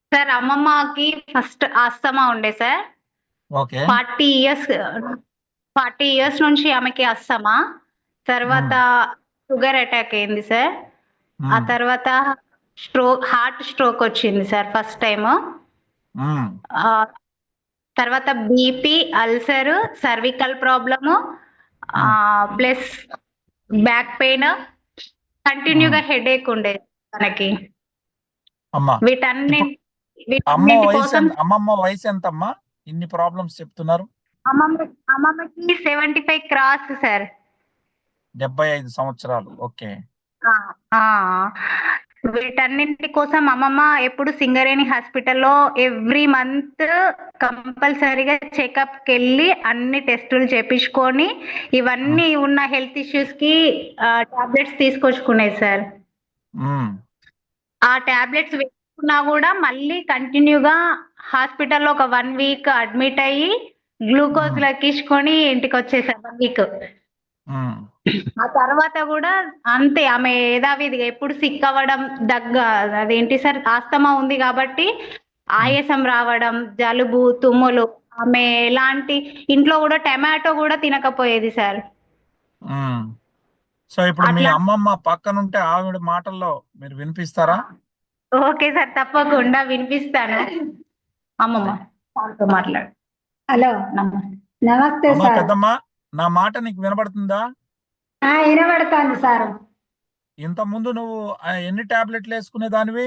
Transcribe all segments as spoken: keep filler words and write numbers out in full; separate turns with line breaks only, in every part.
Sir అమ్మమ్మకి first asthma ఉండే sir.
Okay.
Forty years forty years నుంచి ఆమెకి ఆస్తమా. తర్వాత
ఉమ్,
షుగర్ అటాక్ అయింది సార్. ఆ
ఉమ్,
తర్వాత స్ట్రోక్ హార్ట్ స్ట్రోక్ వచ్చింది sir first time.
Um,
ah, తర్వాత BP, ulcer, cervical problem,
um,
ah, plus back pain,
ఉమ్.
కంటిన్యూగా హెడేక్ ఉండేది తనకి.
అమ్మా,
వీటన్ని
ఇప్పుడు అమ్మ
వీటన్నిటి
వయసు
కోసం
ఎంత, అమ్మమ్మ వయసు ఎంతమ్మా? ఇన్ని ప్రాబ్లమ్స్ చెప్తున్నారు.
అమ్మమ్మ అమ్మమ్మకి సెవెంటీ ఫైవ్ క్రాస్ సార్.
డెబ్బై ఐదు సంవత్సరాలు. ఓకే.
ఆ! ఆ! వీటన్నింటి కోసం అమ్మమ్మ ఎప్పుడు సింగరేణి హాస్పిటల్‌లో ఎవ్రీ మంత్ కంపల్సరీగా చెకప్‌కెళ్ళి అన్ని టెస్టులు చేపించుకొని,
ఉమ్,
ఇవన్నీ ఉన్న హెల్త్ ఇష్యూస్‌కి ఆహ్, టాబ్లెట్స్ తీసుకొచ్చుకునేది సార్.
ఉమ్,
ఆ టాబ్లెట్స్ వేసుకున్నా గూడా మళ్ళీ కంటిన్యూగా హాస్పిటల్‌లో ఒక వన్ వీక్ అడ్మిట్ అయ్యి, గ్లూకోజ్
ఉమ్,
లెక్కించుకొని ఇంటికొచ్చేసారు వన్ వీక్.
ఉమ్,
ఆ తర్వాత గూడా అంతే, ఆమె యథావిధిగా ఎప్పుడు సిక్ అవ్వడం, దగ్గ అదేంటి సార్ ఆస్తమా ఉంది గాబట్టి
ఉమ్,
ఆయాసం రావడం, జలుబు, తుమ్ములు. ఆమె ఎలాంటి ఇంట్లో గూడా టమాటో గూడా తినకపోయేది సార్.
ఉమ్. సో ఇప్పుడు మీ
అట్లా
అమ్మమ్మ పక్కనుంటే ఆవిడ మాటల్లో మీరు వినిపిస్తారా?
Okay sir. తప్పకుండా వినిపిస్తాను. అమ్మమ్మ సార్‌తో మాట్లాడు. హలో! నమస్తే. నమస్తే
అమ్మా
సార్.
పెద్దమ్మ, నా మాట నీకు వినబడుతుందా?
ఆ! ఇనబడతాంది సారు.
ఇంత ముందు నువ్వు ఆ, ఎన్ని టాబ్లెట్లు వేసుకునే దానివి,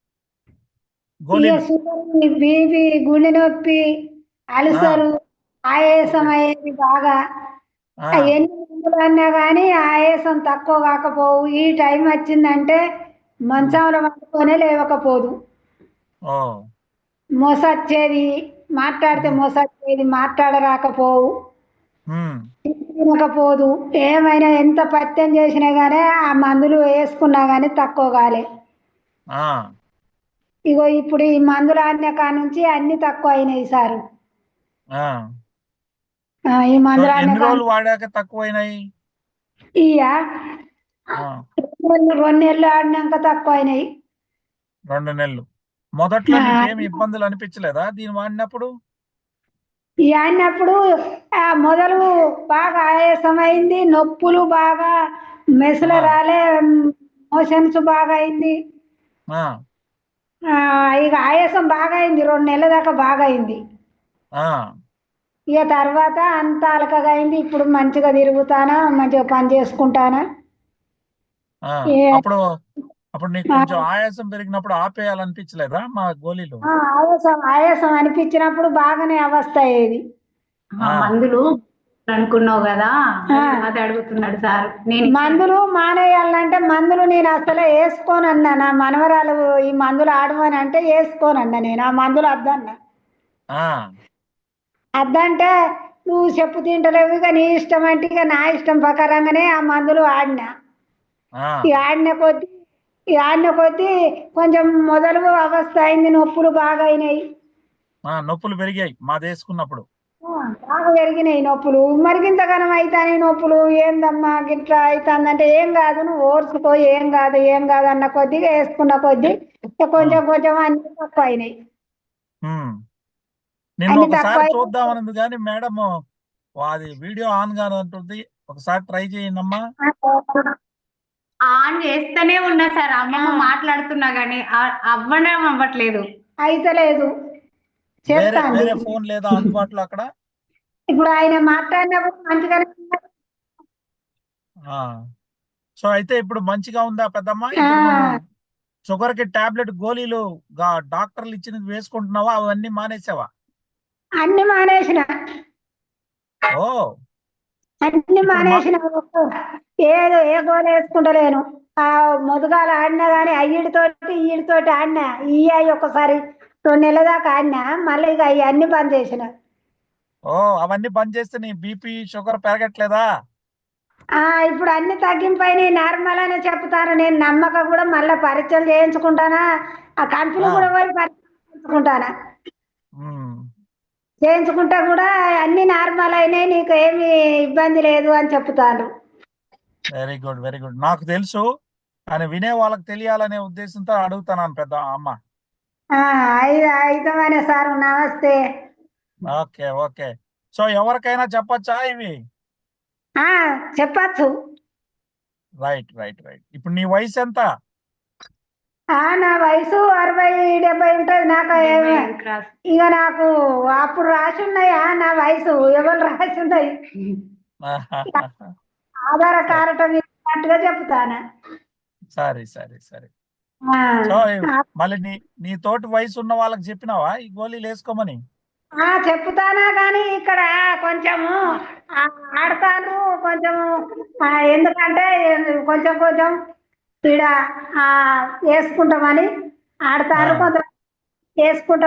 ఇగ
గోళీలు?
షుగరు, బీపీ, గుండె నొప్పి,
ఆ,
అల్సరు, ఆయాసం
ఓకే.
అయ్యేది బాగా.
ఆ,
ఆ ఎన్ని మందులన్నా గానీ ఆయాసం తక్కువ కాకపోవు. ఈ టైం వచ్చిందంటే
ఉమ్,
మంచంలో పండుకొనే లేవకపోదు.
ఓ,
మోసొచ్చేది, మాట్లాడితే
ఉమ్,
మోసొచ్చేది, మాట్లాడరాకపోవు.
ఉమ్,
తినకపోదు. ఏమైనా ఎంత పథ్యం చేసినా గానీ ఆ మందులు వేసుకున్నా గానీ తక్కువ కాలే.
ఆ.
ఇగో ఇప్పుడు ఈ మందులు ఆడిన కానుంచి అన్ని తక్కువ అయినాయి సారు.
ఆ.
ఆ! ఈ
సో
మందులు ఆడిన
ఎన్ని రోజులు
కానుంచి
వాడాక తక్కువైనాయి?
ఇయ్యా
ఆ,
రెండు నెలలు ఆడినాక తక్కువ అయినాయి.
రెండు నెలలు. మొదట్లో
ఆ!
నీకేమి ఇబ్బందులు అనిపించలేదా దీన్ని వాడినప్పుడు?
ఈ ఆడినప్పుడు ఆ మొదలు బాగా ఆయాసం అయింది. నొప్పులు బాగా మెసలు
ఆ,
రాలే. మోషన్స్ బాగా అయింది.
ఆ,
ఆ! ఇక ఆయాసం బాగా అయింది. రెండు నెలల దాకా బాగా అయింది.
ఆ,
ఇక తర్వాత అంత అలకగా అయింది. ఇప్పుడు మంచిగా తిరుగుతానా, మంచిగా పని చేసుకుంటానా.
ఆ.
ఏ
అప్పుడు అప్పుడు నీకు
ఆ!
కొంచెం ఆయాసం పెరిగినప్పుడు ఆపేయాలనిపించలేదా మా గోళీలు?
ఆ! ఆయాసం ఆయాసం అనిపించినప్పుడు బాగానే అవస్థ అయ్యేది. ఆ!
ఆ,
మందులు అనుకున్నావు గదా! ఆ! అది అడుగుతున్నాడు సారు. నేను మందులు మానేయాలంటే మందులు నేను అసలే యేసుకోనన్నా. నా మనవరాలు ఈ మందులు ఆడమని అంటే యేసుకోనన్నా నేను. ఆ మందులు వద్దన్నా.
ఆ,
అద్దంటే నువ్వు చెప్పు తింటలేవు, ఇక నీ ఇష్టం అంటే ఇక నా ఇష్టం ప్రకారంగానే ఆ మందులు ఆడినా.
ఆ,
ఇక ఆడిన కొద్దీ ఇక ఆడిన కొద్దీ కొంచెం మొదలు అవస్థ అయింది. నొప్పులు బాగా అయినాయి.
ఆ. నొప్పులు పెరిగాయి మాది వేసుకున్నప్పుడు.
ఆ! బాగా పెరిగినాయి నొప్పులు. మరి గింతగనం అయితానాయి నొప్పులు. ఏందమ్మా గిట్లా అయితాందంటే, ఏం గాదు నువ్వు ఓర్చుకో, ఏం గాదు, ఏం గాదు అన్న కొద్దిగా యేసుకున్న కొద్దీ ఇక
ఉమ్,
కొంచెం కొంచెం అన్నీ తక్కువయినాయి.
ఉమ్. నిన్న
అన్నీ
ఒకసారి
తక్కువయినాయి.
చూద్దామన్నది కానీ మేడం అది వీడియో ఆన్ గానే ఉంటుంది. ఒకసారి ట్రై చేయండమ్మా.
ఆన్ చేస్తూనే ఉన్నా సార్. అమ్మమ్మ మాట్లాడుతున్నా గాని ఆహ్, అవ్వడం అవ్వట్లేదు. అయితలేదు.
వేరే
చేస్తాంది.
వేరే ఫోన్ లేదా అందుబాటులో అక్కడ?
ఇప్పుడు ఆయన మాట్లాడినప్పుడు మంచిగానే ఉన్నది.
ఆ. సో అయితే ఇప్పుడు మంచిగా ఉందా పెద్దమ్మ?
ఆ!
ఇప్పుడు నువ్వు షుగర్ కి టాబ్లెట్ గోళీలు గా- డాక్టర్లు ఇచ్చినది వేసుకుంటున్నావా? అవన్నీ మానేసావా?
అన్నీ మానేసిన.
ఓ,
అన్నీ
ఇప్పుడు మా
మానేసిన. ఏదో ఏ గోళీ యేసుకుంటలేను. ఆ మొదుగాల ఆడినా గాని అయ్యిడితోటి, ఈడితోటి ఆడినా. ఇయ్యి అయ్యి ఒకసారి రెండు నెలల దాకా ఆడినా. మళ్ళీ ఇక అయి అన్నీ బంద్ చేసిన.
ఓ, అవన్నీ బంద్ చేస్తే నీ బీపీ షుగర్ పెరగట్లేదా?
ఆ! ఇప్పుడు అన్నీ తగ్గింపయినాయి. నార్మల్ అనే చెప్తాను. నేను నమ్మక కూడా మళ్ళా పరీక్షలు చేయించుకుంటానా. ఆ కంపెనీ
ఆ,
కూడా పోయి పరీక్షలు చేయించుకుంటానా.
ఉమ్.
చేయించుకుంటే కూడా అన్నీ నార్మల్ అయినాయి. నీకు ఏమి ఇబ్బంది లేదు అని చెప్తాండ్రు.
Very good, very good. నాకు తెలుసు, కానీ వినే వాళ్ళకి తెలియాలనే ఉద్దేశంతో అడుగుతున్నాను పెద్ద అమ్మ.
ఆ, ఐదు ఐదమనే సార్ నమస్తే.
Okay okay. సో ఎవరికైనా చెప్పొచ్చా ఇవి?
ఆ చెప్పచ్చు.
Right right right. ఇప్పుడు నీ వయసు ఎంత?
ఆ నా వయసు అరవై డెబ్బై ఉంటది. నాకు ఏమి ఇక నాకు అప్పుడు రాసి ఉన్నాయా నా వయసు? ఎవరు రాసి ఉన్నాయి? ఆధార కారటం ఇచ్చినట్టుగా చెప్తాను.
సరే సరే సరే.
ఆ,
సో మళ్ళీ నీ నీ తోటి వయసు ఉన్న వాళ్ళకి చెప్పినావా ఈ గోళీలు వేసుకోమని?
ఆ, చెప్తానా కానీ ఇక్కడ కొంచెము ఆ, ఆడతాను కొంచెము. ఆ, ఎందుకంటే కొంచెం కొంచెం ఇక్కడ ఆ, వేసుకుంటామని ఆడతాను,
ఆ.
కొంచెం వేసుకుంటాం.